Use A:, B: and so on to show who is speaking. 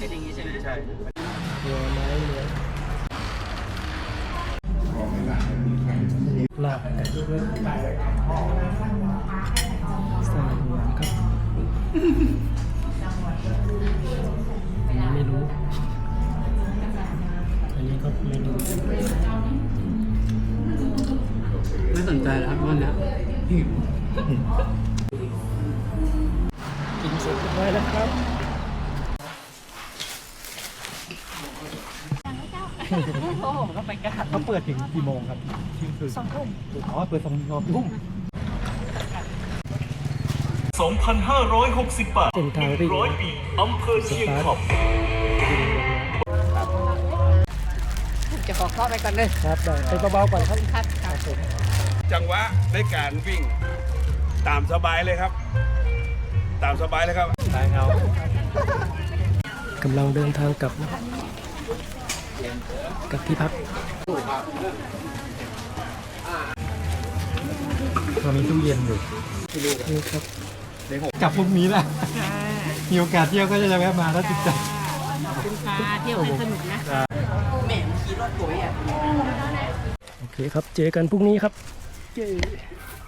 A: เป็นอย่างนี้ใช่ไหมใช่
B: เรือไม้เรือลาบไก่ใส่หัวครับอันนี้ไม่รู้ อันนี้ก็ไม่รู้
A: ไม่สนใจแล้วครับวันนี้
B: กินเสร็จเรียบร้อยแล้วครับ
A: โอ้โหก็ไปกัน
B: เขาเปิดถึงกี่โมงครับเที่ยงคืน2 ทุ่มอ๋อเปิด2 ทุ่ม
C: 2,560 บาท
B: เส้นทางวิ่ง
C: 100 ปีอำเภอเชียงขอบ
A: จะขอเข้าไปก่อนเลย
B: ครับได้ไปเบาๆก่อนครับ
A: ครับ
D: จังหวะในการวิ่งตามสบายเลยครับ ตามสบายเลยครับ
B: ทางเอากำลังเดินทางกลับนะครับกลับที่พักเรามีตู้เย็นอยู่นี่ครับกลับพรุ่งนี้แหละมีโอกาสเที่ยวก็จะแวะมาแล้วติดใจ
A: คุณพาเที่ยวให้สนุกนะแม่ขี่รถสวยอ่ะ
B: โอเคครับเจอกันพรุ่งนี้ครับ